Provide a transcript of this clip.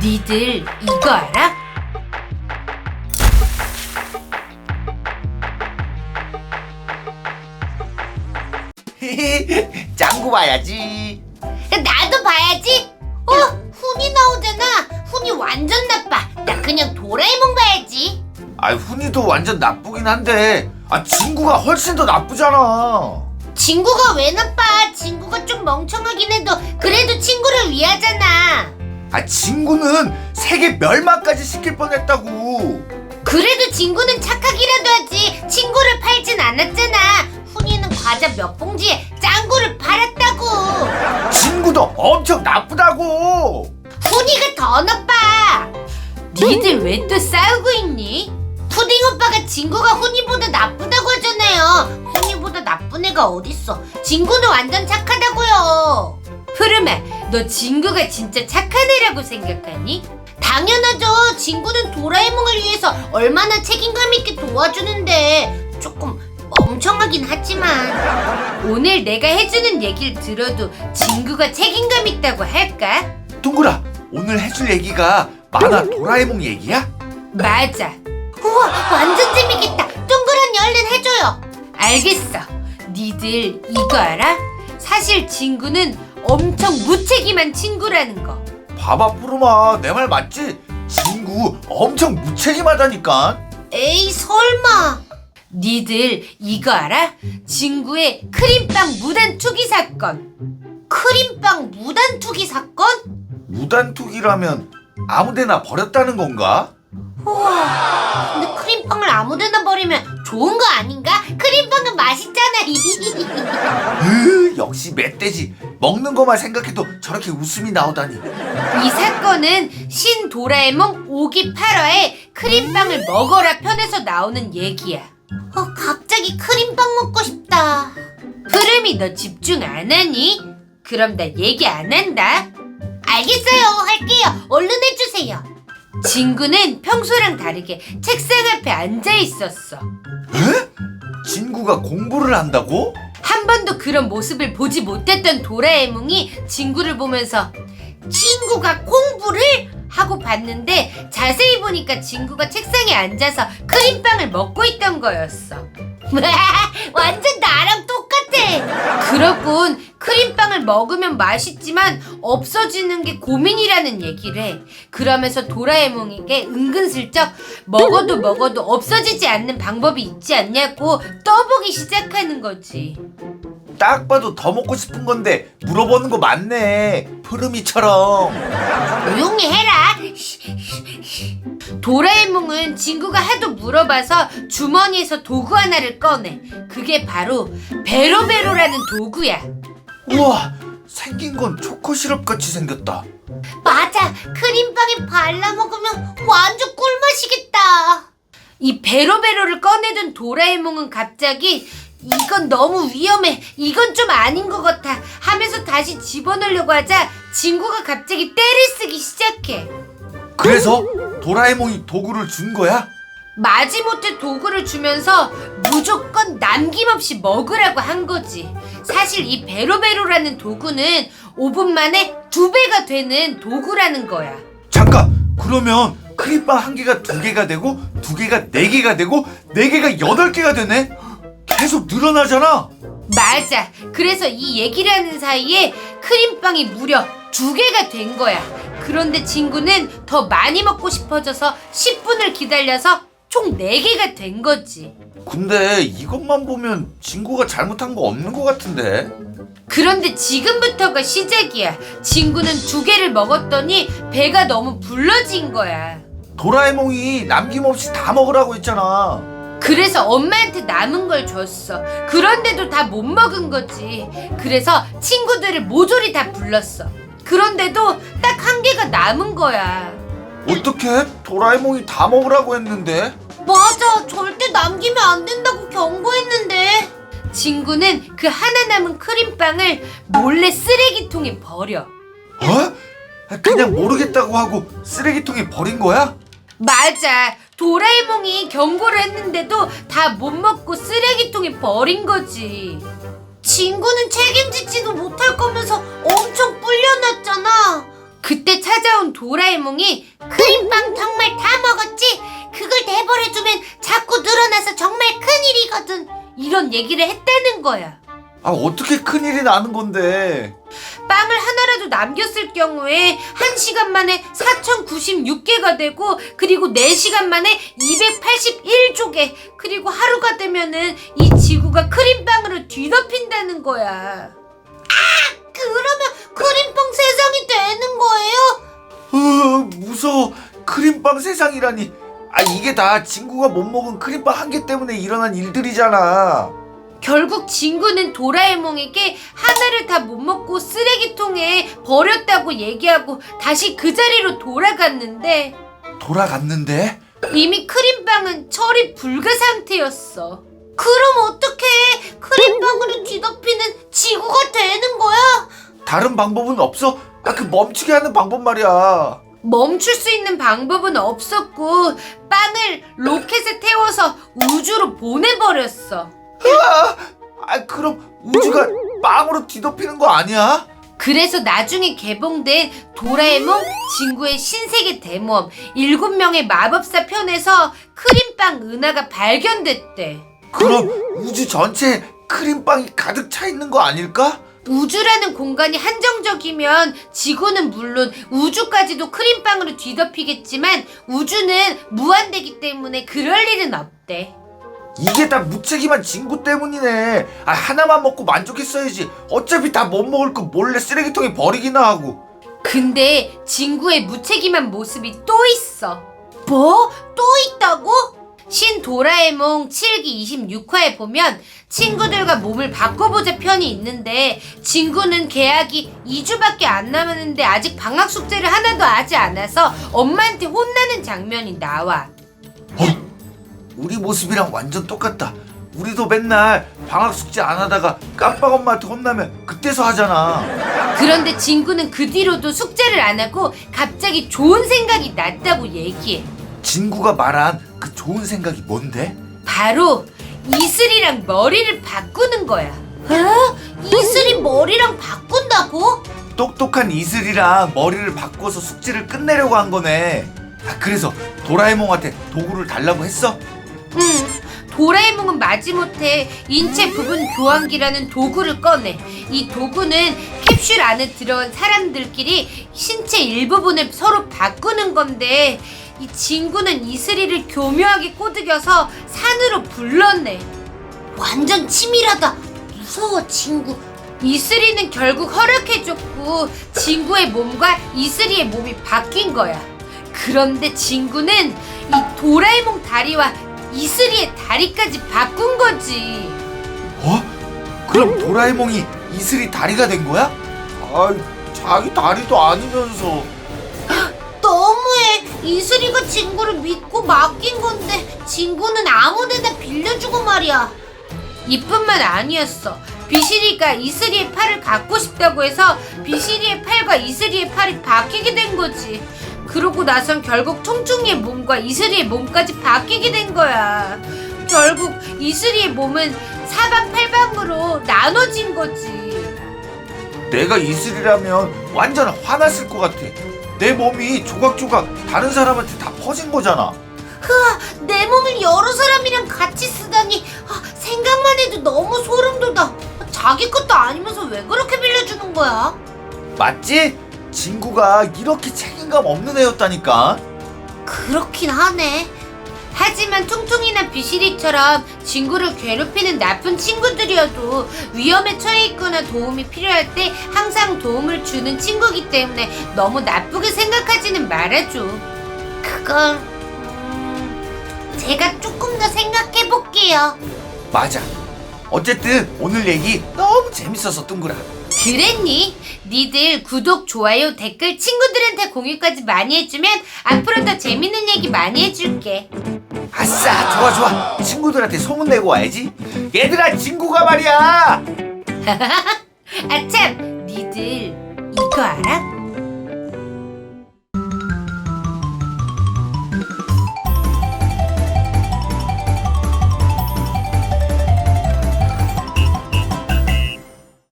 니들 이거 알아? 짱구 봐야지. 나도 봐야지. 훈이 나오잖아. 훈이 완전 나빠. 나 그냥 도라에몽 봐야지. 훈이도 완전 나쁘긴 한데 친구가 훨씬 더 나쁘잖아. 친구가 왜 나빠? 친구가 좀 멍청하긴 해도 그래도 친구를 위하잖아. 친구는 세계 멸망까지 시킬 뻔했다고. 그래도 친구는 착하기라도 하지. 친구를 팔진 않았잖아. 훈이는 과자 몇 봉지에 짱구를 팔았다고. 친구도 엄청 나쁘다고. 훈이가 더 나빠. 니들 왜 또 싸우고 있니? 푸딩 오빠가 친구가 훈이보다 나쁘다고 하잖아요. 훈이보다 나쁜 애가 어딨어. 친구는 완전 착하다고요. 푸르마, 너 친구가 진짜 착한 애라고 생각하니? 당연하죠. 친구는 도라에몽을 위해서 얼마나 책임감 있게 도와주는데 조금 멍청하긴 하지만 오늘 내가 해주는 얘기를 들어도 친구가 책임감 있다고 할까? 동그라, 오늘 해줄 얘기가 만화 도라에몽 얘기야? 맞아. 우와, 완전 재밌겠다. 둥그런 얼른 해줘요. 알겠어. 니들 이거 알아? 사실 친구는 엄청 무책임한 친구라는 거. 봐봐 푸르마, 내 말 맞지? 친구 엄청 무책임하다니까. 에이 설마. 니들 이거 알아? 친구의 크림빵 무단 투기 사건. 크림빵 무단 투기 사건? 무단 투기라면 아무데나 버렸다는 건가? 우와, 근데 크림빵을 아무데나 버리면 좋은 거 아닌가? 크림빵은 맛있잖아. 역시 멧돼지. 먹는 것만 생각해도 저렇게 웃음이 나오다니. 이 사건은 신 도라에몽 5기 8화에 크림빵을 먹어라 편에서 나오는 얘기야. 갑자기 크림빵 먹고 싶다. 푸름이 너 집중 안 하니? 그럼 나 얘기 안 한다. 알겠어요. 할게요. 얼른 해주세요. 친구는 평소랑 다르게 책상 앞에 앉아 있었어. 에? 친구가 공부를 한다고? 한 번도 그런 모습을 보지 못했던 도라에몽이 친구를 보면서 친구가 공부를? 하고 봤는데 자세히 보니까 친구가 책상에 앉아서 크림빵을 먹고 있던 거였어. 완전 나랑 똑같아. 그러곤 크림빵을 먹으면 맛있지만 없어지는 게 고민이라는 얘기를 해. 그러면서 도라에몽에게 은근슬쩍 먹어도 없어지지 않는 방법이 있지 않냐고 떠보기 시작하는 거지. 딱 봐도 더 먹고 싶은 건데 물어보는 거 맞네. 푸르미처럼. 조용히 해라. 도라에몽은 친구가 하도 물어봐서 주머니에서 도구 하나를 꺼내. 그게 바로 베로베로라는 도구야. 우와, 생긴 건 초코 시럽 같이 생겼다. 맞아. 크림빵에 발라 먹으면 완전 꿀맛이겠다. 이 베로베로를 꺼내던 도라에몽은 갑자기 이건 너무 위험해. 이건 좀 아닌 것 같아. 하면서 다시 집어넣으려고 하자 친구가 갑자기 때를 쓰기 시작해. 그래서 도라에몽이 도구를 준 거야? 마지못해 도구를 주면서 무조건 남김없이 먹으라고 한 거지. 사실 이 베로베로라는 도구는 5분 만에 2배가 되는 도구라는 거야. 잠깐, 그러면 크림빵 한 개가 2개가 되고 2개가 4개가 되고 4개가 8개가 되네? 계속 늘어나잖아. 맞아. 그래서 이 얘기를 하는 사이에 크림빵이 무려 2개가 된 거야. 그런데 친구는 더 많이 먹고 싶어져서 10분을 기다려서 총 4개가 된 거지. 근데 이것만 보면 친구가 잘못한 거 없는 것 같은데? 그런데 지금부터가 시작이야. 친구는 2개를 먹었더니 배가 너무 불러진 거야. 도라에몽이 남김없이 다 먹으라고 했잖아. 그래서 엄마한테 남은 걸 줬어. 그런데도 다 못 먹은 거지. 그래서 친구들을 모조리 다 불렀어. 그런데도 딱 1개가 남은 거야. 어떻게? 도라에몽이 다 먹으라고 했는데? 맞아. 절대 남기면 안 된다고 경고했는데. 친구는 그 하나 남은 크림빵을 몰래 쓰레기통에 버려. 어? 그냥 모르겠다고 하고 쓰레기통에 버린 거야? 맞아. 도라에몽이 경고를 했는데도 다 못 먹고 쓰레기통에 버린 거지. 친구는 책임지지도 못할 거면서 엄청 불려놨잖아. 그때 찾아온 도라에몽이 크림빵 정말 다 먹었지? 그걸 내버려두면 자꾸 늘어나서 정말 큰일이거든. 이런 얘기를 했다는 거야. 아, 어떻게 큰일이 나는 건데? 빵을 하나라도 남겼을 경우에 1시간 만에 4096개가 되고, 그리고 4시간 만에 281조개, 그리고 하루가 되면은 이 지구가 크림빵으로 뒤덮인다는 거야. 그러면 크림빵 세상이 되는 거예요? 무서워. 크림빵 세상이라니. 아, 이게 다 친구가 못 먹은 크림빵 한 개 때문에 일어난 일들이잖아. 결국 친구는 도라에몽에게 하나를 다 못 먹고 쓰레기통에 버렸다고 얘기하고 다시 그 자리로 돌아갔는데 이미 크림빵은 처리 불가 상태였어. 그럼 어떡해? 크림빵으로 뒤덮이는 지구가 되는 거야? 다른 방법은 없어? 그 멈추게 하는 방법 말이야. 멈출 수 있는 방법은 없었고 빵을 로켓에 태워서 우주로 보내버렸어. 그럼 우주가 빵으로 뒤덮이는 거 아니야? 그래서 나중에 개봉된 도라에몽 친구의 신세계 대모험 7명의 마법사 편에서 크림빵 은하가 발견됐대. 그럼 우주 전체에 크림빵이 가득 차 있는 거 아닐까? 우주라는 공간이 한정적이면 지구는 물론 우주까지도 크림빵으로 뒤덮이겠지만 우주는 무한대기 때문에 그럴 일은 없대. 이게 다 무책임한 친구 때문이네. 하나만 먹고 만족했어야지. 어차피 다 못 먹을 거 몰래 쓰레기통에 버리기나 하고. 근데 진구의 무책임한 모습이 또 있어. 뭐? 또 있다고? 신 도라에몽 7기 26화에 보면 친구들과 몸을 바꿔보자 편이 있는데 진구는 개학이 2주밖에 안 남았는데 아직 방학 숙제를 하나도 하지 않아서 엄마한테 혼나는 장면이 나와. 우리 모습이랑 완전 똑같다. 우리도 맨날 방학 숙제 안 하다가 깜빡 엄마한테 혼나면 그때서 하잖아. 그런데 진구는 그 뒤로도 숙제를 안 하고 갑자기 좋은 생각이 났다고 얘기해. 진구가 말한 그 좋은 생각이 뭔데? 바로 이슬이랑 머리를 바꾸는 거야. 이슬이 머리랑 바꾼다고? 똑똑한 이슬이랑 머리를 바꿔서 숙제를 끝내려고 한 거네. 그래서 도라에몽한테 도구를 달라고 했어? 도라에몽은 마지못해 인체 부분 교환기라는 도구를 꺼내. 이 도구는 캡슐 안에 들어온 사람들끼리 신체 일부분을 서로 바꾸는 건데 이 진구는 이슬이를 교묘하게 꼬드겨서 산으로 불러내. 완전 치밀하다. 무서워 친구. 이슬이는 결국 허락해줬고 진구의 몸과 이슬이의 몸이 바뀐 거야. 그런데 진구는 이 도라에몽 다리와 이슬이의 다리까지 바꾼 거지. 그럼 도라에몽이 이슬이 다리가 된 거야? 자기 다리도 아니면서. 너무해. 이슬이가 진구를 믿고 맡긴 건데 진구는 아무데나 빌려주고 말이야. 이뿐만 아니었어. 비실이가 이슬이의 팔을 갖고 싶다고 해서 비실이의 팔과 이슬이의 팔이 바뀌게 된 거지. 그러고 나선 결국 퉁퉁이의 몸과 이슬이의 몸까지 바뀌게 된 거야. 결국 이슬이의 몸은 사방팔방으로 나눠진 거지. 내가 이슬이라면 완전 화났을 것 같아. 내 몸이 조각조각 다른 사람한테 다 퍼진 거잖아. 내 몸을 여러 사람이랑 같이 쓰다니. 생각만 해도 너무 소름 돋아. 자기 것도 아니면서 왜 그렇게 빌려주는 거야? 맞지? 진구가 이렇게 책임감 없는 애였다니까. 그렇긴 하네. 하지만 퉁퉁이나 비실이처럼 친구를 괴롭히는 나쁜 친구들이어도 위험에 처해 있거나 도움이 필요할 때 항상 도움을 주는 친구이기 때문에 너무 나쁘게 생각하지는 말아줘. 그건 제가 조금 더 생각해 볼게요. 맞아. 어쨌든 오늘 얘기 너무 재밌어서 둥그라. 그랬니? 니들 구독, 좋아요, 댓글 친구들한테 공유까지 많이 해주면 앞으로 더 재밌는 얘기 많이 해줄게. 아싸, 좋아. 친구들한테 소문내고 와야지. 얘들아, 친구가 말이야. 아참, 니들 이거 알아?